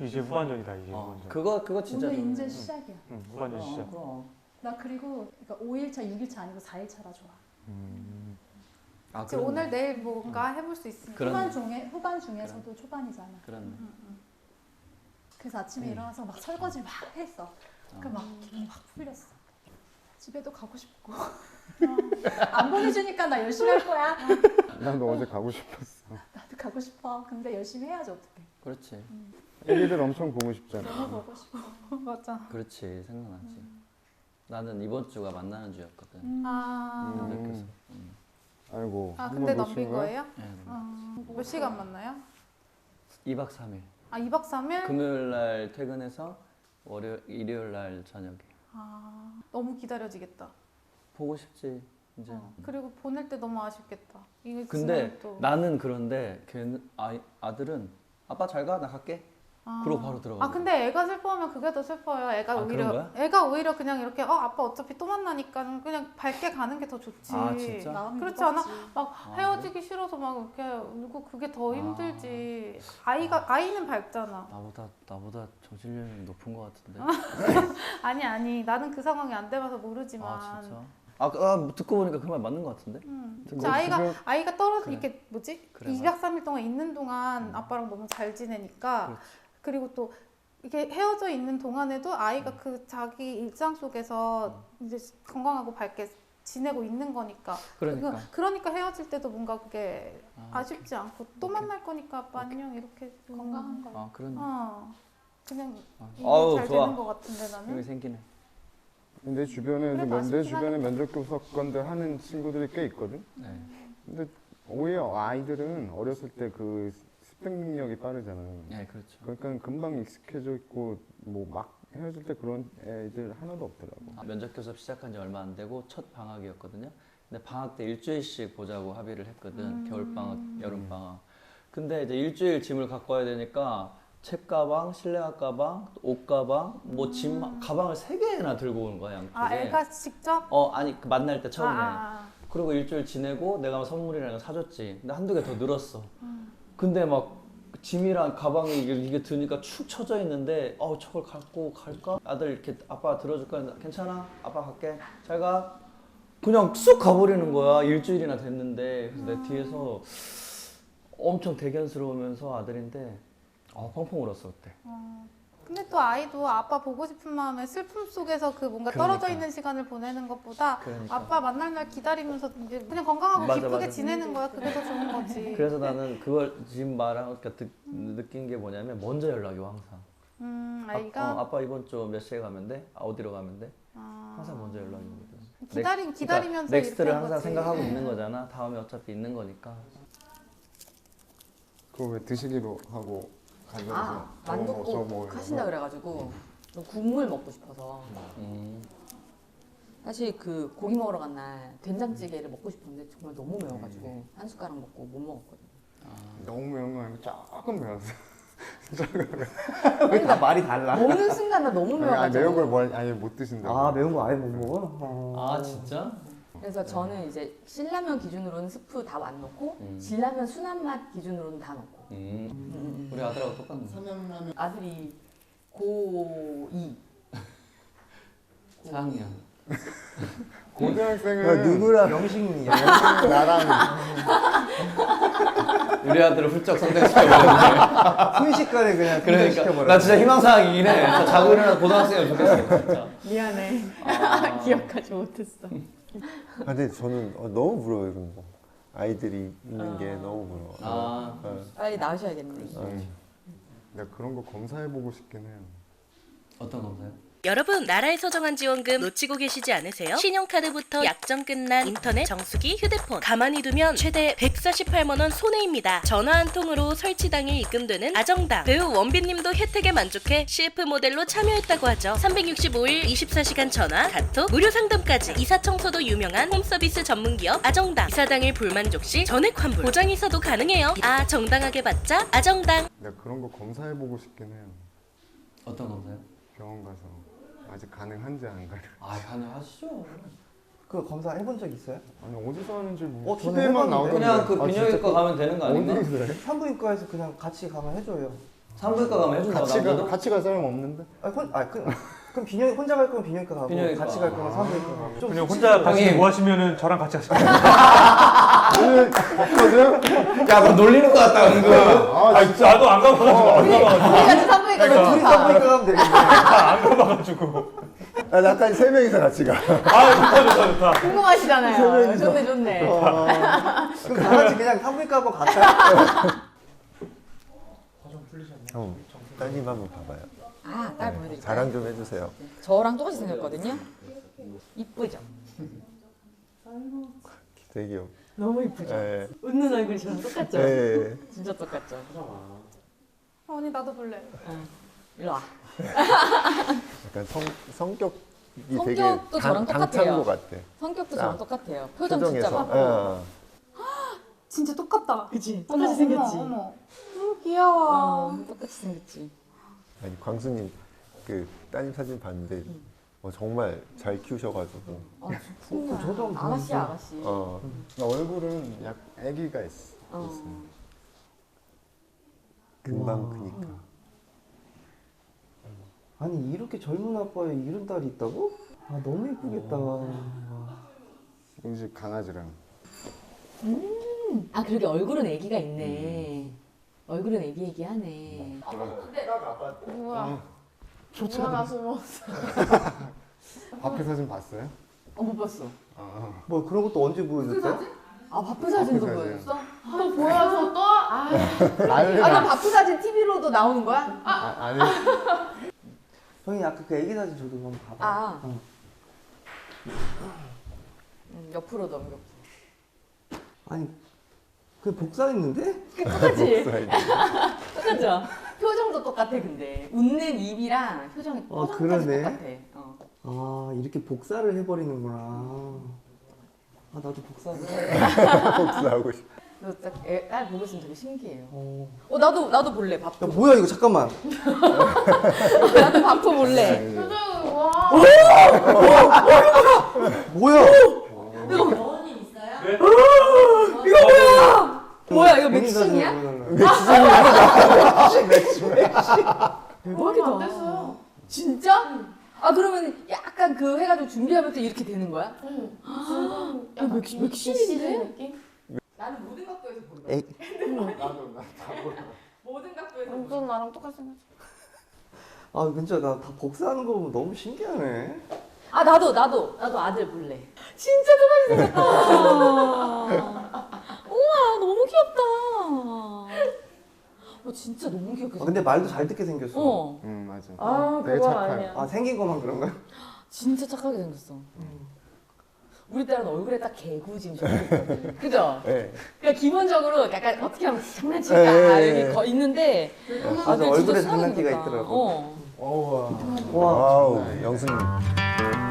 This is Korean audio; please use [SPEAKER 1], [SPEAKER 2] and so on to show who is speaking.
[SPEAKER 1] 이제 후반전이다 이제 후반전.
[SPEAKER 2] 그거 진짜
[SPEAKER 3] 오늘
[SPEAKER 2] 좋네.
[SPEAKER 3] 이제 시작이야.
[SPEAKER 1] 후반전 시작.
[SPEAKER 2] 그럼.
[SPEAKER 3] 나 그리고 그러니까 5일차, 6일차 아니고 4일차라 좋아.
[SPEAKER 2] 아,
[SPEAKER 4] 이제 오늘 내일 뭔가 해볼 수 있으니까.
[SPEAKER 2] 그런-
[SPEAKER 3] 후반 중에서도 초반이잖아.
[SPEAKER 2] 그렇네.
[SPEAKER 3] 그래서 아침에 일어나서 막 설거지 막 했어. 그 막 기분이 확 풀렸어. 집에도 가고 싶고. 안 보내주니까 나 열심히 할 거야.
[SPEAKER 5] 나도 어제 가고 싶었어.
[SPEAKER 3] 나도 가고 싶어. 근데 열심히 해야지 어떡해.
[SPEAKER 2] 그렇지.
[SPEAKER 5] 애기들 엄청 보고 싶잖아.
[SPEAKER 3] 너무 보고 싶어.
[SPEAKER 4] 맞아.
[SPEAKER 2] 그렇지. 생각나지. 나는 이번 주가 만나는 주였거든.
[SPEAKER 4] 아,
[SPEAKER 2] 그래서.
[SPEAKER 5] 아이고.
[SPEAKER 4] 아
[SPEAKER 5] 한
[SPEAKER 4] 근데
[SPEAKER 5] 번
[SPEAKER 4] 넘긴
[SPEAKER 5] 놓친 거야?
[SPEAKER 4] 거예요?
[SPEAKER 2] 네.
[SPEAKER 4] 몇 시간 만나요?
[SPEAKER 2] 2박 3일.
[SPEAKER 4] 아 2박 3일?
[SPEAKER 2] 금요일 날 퇴근해서 일요일 날 저녁에.
[SPEAKER 4] 아 너무 기다려지겠다.
[SPEAKER 2] 보고 싶지. 이제.
[SPEAKER 4] 그리고 보낼 때 너무 아쉽겠다. 이게
[SPEAKER 2] 근데
[SPEAKER 4] 지나면 또.
[SPEAKER 2] 나는 그런데 걔는 아들은 아빠 잘 가, 나 갈게. 그러고 바로 들어가.
[SPEAKER 4] 아 근데 애가 슬퍼하면 그게 더 슬퍼요. 애가
[SPEAKER 2] 아,
[SPEAKER 4] 오히려
[SPEAKER 2] 그런
[SPEAKER 4] 애가 오히려 그냥 이렇게 아빠 어차피 또 만나니까 그냥 밝게 가는 게 더 좋지.
[SPEAKER 2] 아, 진짜?
[SPEAKER 3] 마음이
[SPEAKER 4] 그렇지 않아?
[SPEAKER 3] 무겁지.
[SPEAKER 4] 막 헤어지기 싫어서 막 이렇게 울고 그게 더 힘들지. 아이는 밝잖아.
[SPEAKER 2] 나보다 정신력이 높은 것 같은데.
[SPEAKER 4] 아니 나는 그 상황이 안 돼봐서 모르지만.
[SPEAKER 2] 아 진짜? 듣고 보니까 그 말 맞는 것 같은데?
[SPEAKER 4] 진짜 아이가 떨어져
[SPEAKER 2] 그래.
[SPEAKER 4] 이렇게 뭐지?
[SPEAKER 2] 그래,
[SPEAKER 4] 2박 3일 동안 있는 동안 아빠랑 너무 잘 지내니까
[SPEAKER 2] 그렇지.
[SPEAKER 4] 그리고 또 이게 헤어져 있는 동안에도 아이가 그 자기 일상 속에서 이제 건강하고 밝게 지내고 있는 거니까. 그러니까 헤어질 때도 뭔가 그게 아쉽지 않고 또
[SPEAKER 2] 오케이.
[SPEAKER 4] 만날 거니까 아빠 안녕 이렇게
[SPEAKER 3] 건강한 거.
[SPEAKER 2] 아 그러네.
[SPEAKER 4] 그냥
[SPEAKER 2] 아우,
[SPEAKER 4] 잘
[SPEAKER 2] 좋아.
[SPEAKER 4] 되는 것 같은데
[SPEAKER 2] 여기
[SPEAKER 4] 나는.
[SPEAKER 2] 생기네.
[SPEAKER 5] 내 주변에
[SPEAKER 4] 그래도
[SPEAKER 5] 내
[SPEAKER 4] 아쉽긴
[SPEAKER 5] 주변에
[SPEAKER 4] 하겠다.
[SPEAKER 5] 면접 교섭관들 하는 친구들이 꽤 있거든.
[SPEAKER 2] 네.
[SPEAKER 5] 근데 오히려 아이들은 어렸을 때 그 습득 능력이 빠르잖아.
[SPEAKER 2] 네, 그렇죠.
[SPEAKER 5] 그러니까 금방 익숙해져 있고 뭐 막 헤어질 때 그런 애들 하나도 없더라고.
[SPEAKER 2] 면접 교섭 시작한 지 얼마 안 되고 첫 방학이었거든요. 근데 방학 때 일주일씩 보자고 합의를 했거든. 겨울 방학, 여름 방학. 근데 이제 일주일 짐을 갖고 와야 되니까 책 가방, 실내화 가방, 옷 가방, 뭐 짐 가방을 3개나 들고 오는 거야, 양쪽에.
[SPEAKER 4] 아 애가 직접?
[SPEAKER 2] 아니 그 만날 때 처음에.
[SPEAKER 4] 아.
[SPEAKER 2] 그리고 일주일 지내고 내가 선물이라는 거 사줬지. 근데 한두 개 더 늘었어. 근데 막 짐이랑 가방이 이게 드니까 축 처져 있는데 저걸 갖고 갈까? 아들 이렇게 아빠 들어줄까? 괜찮아? 아빠 갈게. 잘 가. 그냥 쑥 가버리는 거야. 일주일이나 됐는데. 그래서 내 뒤에서 엄청 대견스러우면서 아들인데 펑펑 울었어 그때.
[SPEAKER 4] 근데 또 아이도 아빠 보고 싶은 마음에 슬픔 속에서 그 뭔가
[SPEAKER 2] 그러니까.
[SPEAKER 4] 떨어져 있는 시간을 보내는 것보다
[SPEAKER 2] 그러니까.
[SPEAKER 4] 아빠 만날 날 기다리면서 이제 그냥 건강하고
[SPEAKER 2] 맞아,
[SPEAKER 4] 기쁘게
[SPEAKER 2] 맞아.
[SPEAKER 4] 지내는 거야. 그게 더 좋은 거지.
[SPEAKER 2] 그래서 나는 그걸 지금 말하니까 느낀 게 뭐냐면 먼저 연락이 와 항상.
[SPEAKER 4] 아이가
[SPEAKER 2] 아빠 이번 주 몇 시에 가면 돼? 어디로 가면 돼? 항상 먼저 연락이 오거든.
[SPEAKER 4] 기다리면서
[SPEAKER 2] 넥스트를
[SPEAKER 4] 이렇게 한
[SPEAKER 2] 항상
[SPEAKER 4] 거지.
[SPEAKER 2] 생각하고 있는 거잖아. 다음에 어차피 있는 거니까.
[SPEAKER 5] 그거 왜 드시기로 하고 가져서
[SPEAKER 6] 만둣국 하신다 그래가지고 국물 먹고 싶어서 사실 그 고기 먹으러 간 날 된장찌개를 먹고 싶었는데 정말 너무 매워가지고 한 숟가락 먹고 못 먹었거든요.
[SPEAKER 5] 너무 매운 거 아니고 조금 매웠어.
[SPEAKER 6] 그러니까
[SPEAKER 7] 말이 달라.
[SPEAKER 6] 먹는 순간 나 너무 매워가지고
[SPEAKER 5] 매운 걸 아예 못 드신다고.
[SPEAKER 7] 매운 거 아예 못 먹어?
[SPEAKER 2] 아 진짜?
[SPEAKER 6] 그래서 저는 이제 신라면 기준으로는 스프 다 안 넣고 진라면 순한 맛 기준으로는 다 넣고
[SPEAKER 2] 우리 아들하고 똑같네.
[SPEAKER 6] 아들이 고2
[SPEAKER 2] 4학년.
[SPEAKER 5] 고등학생은
[SPEAKER 7] 누구랑 명식이야?
[SPEAKER 5] 나랑
[SPEAKER 2] 우리 아들을 훌쩍 성장시켜버렸네.
[SPEAKER 7] 순식간에 그냥
[SPEAKER 2] 그러니까
[SPEAKER 7] 시켜버려.
[SPEAKER 2] 나 진짜 희망사항이긴 해. 저 자고 일어나서 고등학생이면 좋겠어 진짜.
[SPEAKER 6] 미안해. 기억하지 못했어.
[SPEAKER 8] 근데 저는 너무 부러워요 그런 거. 아이들이 있는 게 너무 부러워.
[SPEAKER 6] 빨리 낳으셔야겠네.
[SPEAKER 5] 내가 그런 거 검사해보고 싶긴 해요.
[SPEAKER 2] 어떤 검사요?
[SPEAKER 9] 여러분, 나라에서 정한 지원금 놓치고 계시지 않으세요? 신용카드부터 약정 끝난 인터넷, 정수기, 휴대폰 가만히 두면 최대 148만 원 손해입니다. 전화 한 통으로 설치 당일 입금되는 아정당. 배우 원빈님도 혜택에 만족해 CF 모델로 참여했다고 하죠. 365일 24시간 전화, 카톡, 무료 상담까지. 이사 청소도 유명한 홈서비스 전문기업 아정당. 이사 당일 불만족 시 전액 환불, 보장 이사도 가능해요. 정당하게 받자 아정당.
[SPEAKER 5] 내가 그런 거 검사해보고 싶긴 해요.
[SPEAKER 2] 어떤 검사요?
[SPEAKER 5] 병원 가서 아직 가능한지 안 가능.
[SPEAKER 2] 가능하시죠.
[SPEAKER 7] 그 검사 해본 적 있어요?
[SPEAKER 5] 아니 어디서 하는지 뭐
[SPEAKER 7] 저는
[SPEAKER 5] TV에만
[SPEAKER 7] 해봤는데.
[SPEAKER 5] 나오던데.
[SPEAKER 2] 그냥 그 비뇨기과 가면 되는 거 아닌가?
[SPEAKER 5] 어디 그래?
[SPEAKER 7] 산부인과에서 그냥 같이 가면 해줘요.
[SPEAKER 2] 산부인과 가면 해준다고 남자도?
[SPEAKER 5] 같이 갈 사람 없는데?
[SPEAKER 7] 그럼 비뇨 혼자 갈 거면 비뇨기과 가고
[SPEAKER 2] 비뇨기과.
[SPEAKER 7] 같이 갈 거면 산부인과 가고. 좀
[SPEAKER 1] 그냥 혼자 같이
[SPEAKER 2] 형님.
[SPEAKER 1] 뭐 하시면은 저랑 같이 하시면
[SPEAKER 5] 오늘 없거든?
[SPEAKER 2] 야, 너 놀리는 거 같다, 은근.
[SPEAKER 1] 아 진짜 나도 안 가봐가지고 안 가봐가지고
[SPEAKER 3] 우리같이 산부인과
[SPEAKER 7] 그러니까 둘이 산부인과 가면 되겠네.
[SPEAKER 1] 안 가봐가지고
[SPEAKER 8] 아, 나까지 3명이서 같이 가.
[SPEAKER 1] 아 좋다
[SPEAKER 6] 궁금하시잖아요. 좋네.
[SPEAKER 7] 그럼 다 같이 그냥 산부인과 한번 갈까요?
[SPEAKER 8] 따님 한번 봐봐요.
[SPEAKER 6] 아, 딸 보여드릴까요?
[SPEAKER 8] 자랑 좀 해주세요.
[SPEAKER 6] 저랑 똑같이 생겼거든요. 이쁘죠?
[SPEAKER 8] 되게 귀여워.
[SPEAKER 6] 너무 이쁘죠?
[SPEAKER 8] 예.
[SPEAKER 6] 웃는 얼굴이 저랑 똑같죠?
[SPEAKER 8] 예.
[SPEAKER 6] 진짜 똑같죠?
[SPEAKER 4] 언니 나도 볼래.
[SPEAKER 6] 일로 와.
[SPEAKER 8] 약간 성격이 되게
[SPEAKER 6] 성격도 저랑 똑같아요.
[SPEAKER 8] 당찬 것 같아.
[SPEAKER 6] 성격도 저랑 똑같아요. 표정 진짜
[SPEAKER 8] 표정에서.
[SPEAKER 6] 많고.
[SPEAKER 8] 어.
[SPEAKER 4] 진짜 똑같다.
[SPEAKER 6] 그치?
[SPEAKER 4] 어머,
[SPEAKER 6] 똑같이 생겼지?
[SPEAKER 4] 어머. 귀여워.
[SPEAKER 6] 똑같이 생겼지?
[SPEAKER 8] 아니 광수님 그 따님 사진 봤는데 정말 잘 키우셔가지고.
[SPEAKER 6] 진짜.
[SPEAKER 7] 저도 한번
[SPEAKER 6] 아가씨, 아가씨.
[SPEAKER 5] 얼굴은 약 아기가 있어.
[SPEAKER 8] 금방 크니까.
[SPEAKER 7] 아니 이렇게 젊은 아빠에 이런 딸이 있다고? 아 너무 예쁘겠다.
[SPEAKER 5] 우리 집 강아지랑.
[SPEAKER 6] 아, 그러게 얼굴은 애기가 있네. 얼굴은 애기하네.
[SPEAKER 4] 뭐야. 뭐야 숨어.
[SPEAKER 5] 앞에 사진 봤어요?
[SPEAKER 6] 못 봤어.
[SPEAKER 7] 뭐 그런 것도 언제 보여줬대?
[SPEAKER 6] 아, 바쁜 사진도
[SPEAKER 5] 바쁜
[SPEAKER 6] 보여줬어?
[SPEAKER 4] 또 보여서 또? 아,
[SPEAKER 6] 나 바쁜 사진 TV로도 나오는 거야?
[SPEAKER 5] 아니.
[SPEAKER 7] 형이 아까 그 애기 사진 저도 한번 봐봐.
[SPEAKER 6] 아. 옆으로 넘겨.
[SPEAKER 7] 아니 그 복사했는데?
[SPEAKER 6] 똑같지?
[SPEAKER 8] 복사해줘.
[SPEAKER 6] 똑같죠? 표정도 똑같아, 근데. 웃는 입이랑 표정이 표정까지
[SPEAKER 7] 그러네.
[SPEAKER 6] 똑같아.
[SPEAKER 7] 아 이렇게 복사를 해버리는구나. 아 나도 복사를 해.
[SPEAKER 8] 복사하고 싶어.
[SPEAKER 6] 너딸 보고 있으면 되게 신기해요. 나도 볼래,
[SPEAKER 7] 야
[SPEAKER 6] 밥도.
[SPEAKER 7] 뭐야 이거 잠깐만.
[SPEAKER 6] 나도 밥도 볼래.
[SPEAKER 4] 표정 와.
[SPEAKER 7] 뭐야?
[SPEAKER 6] 뭐야, 이거
[SPEAKER 7] 괜히 사진
[SPEAKER 6] 맥심이야?
[SPEAKER 7] 보여달라고.
[SPEAKER 6] 대박이다.
[SPEAKER 4] 안 됐어.
[SPEAKER 6] 진짜? 아, 그러면 약간 그 해가지고 준비하면서 이렇게 되는 거야?
[SPEAKER 4] 야,
[SPEAKER 6] 맥심인데?
[SPEAKER 4] 느낌?
[SPEAKER 6] 나는 모든 각도에서 본다.
[SPEAKER 7] 에이.
[SPEAKER 6] 모든 각도에서
[SPEAKER 4] 완전 나랑 똑같이 생겼어.
[SPEAKER 7] 아 진짜 나 다 복사하는 거 보면 너무 신기하네.
[SPEAKER 6] 아, 나도 아들 볼래. 진짜 똑같이 생겼다. 우와, 너무 귀엽다. 진짜 너무 귀엽게 생겼다.
[SPEAKER 7] 근데 말도 잘 듣게 생겼어.
[SPEAKER 5] 응 맞아.
[SPEAKER 6] 아,
[SPEAKER 5] 되게
[SPEAKER 6] 그건
[SPEAKER 5] 착해.
[SPEAKER 6] 아니야.
[SPEAKER 7] 아 생긴 것만 그런가?
[SPEAKER 6] 진짜 착하게 생겼어. 우리 딸은 얼굴에 딱 개구짐 있거든. 그죠?
[SPEAKER 8] 네.
[SPEAKER 6] 그러니까 기본적으로 약간 어떻게 하면 장난칠까
[SPEAKER 8] 네.
[SPEAKER 6] 여기 있는데
[SPEAKER 7] 맞아
[SPEAKER 6] 아들 진짜
[SPEAKER 7] 얼굴에
[SPEAKER 6] 순하게
[SPEAKER 7] 장난기가
[SPEAKER 6] 생겼다.
[SPEAKER 7] 있더라고.
[SPEAKER 6] 어.
[SPEAKER 7] 와.
[SPEAKER 8] 와우 영수님.